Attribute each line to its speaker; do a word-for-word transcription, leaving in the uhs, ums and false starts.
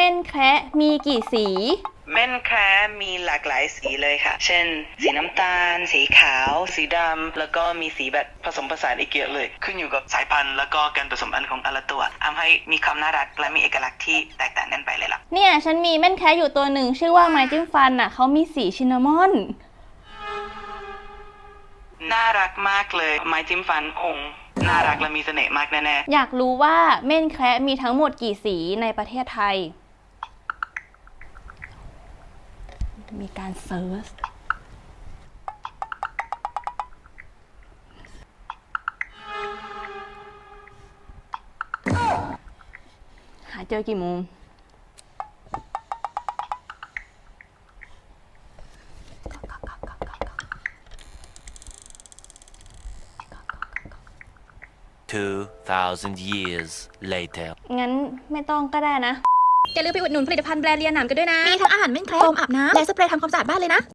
Speaker 1: ม่นแคระมีกี่สี
Speaker 2: เม่นแคระมีหลากหลายสีเลยค่ะ เช่น สีน้ำตาล สีขาว สีดำ แล้วก็มีสีแบบผสมผสานอีกเยอะเลย ขึ้นอยู่กับสายพันธุ์แล้วก็การผสมพันธุ์ของแต่ละตัวทำให้มีความน่ารักและมีเอกลักษณ์ที่แตกต่างกันไปเลยล่ะ
Speaker 1: เนี่ยฉันมีแม่นแคระอยู่ตัวหนึ่งชื่อว่าไม้จิ้มฟันอ่ะเขามีสีชินนามอน
Speaker 2: น่ารักมากเลยไม้จิ้มฟันคงน่ารักและมีเสน่ห์มากแน่
Speaker 1: ๆอยากรู้ว่าเม่นแคระมีทั้งหมดกี่สีในประเทศไทยมีการเซิร์ชหาเจอกี่โมง
Speaker 3: two thousand years later
Speaker 1: งั้นไม่ต้องก็ได้นะ
Speaker 4: อย่าลืมไปอุดหนุนผลิตภัณฑ์แบรนด์เลียหนามกันด้วยนะ มีทั้งอาหารเม่นแคระโฟมอาบน้ำและสเปรย์ทำความสะอาดบ้านเลยนะ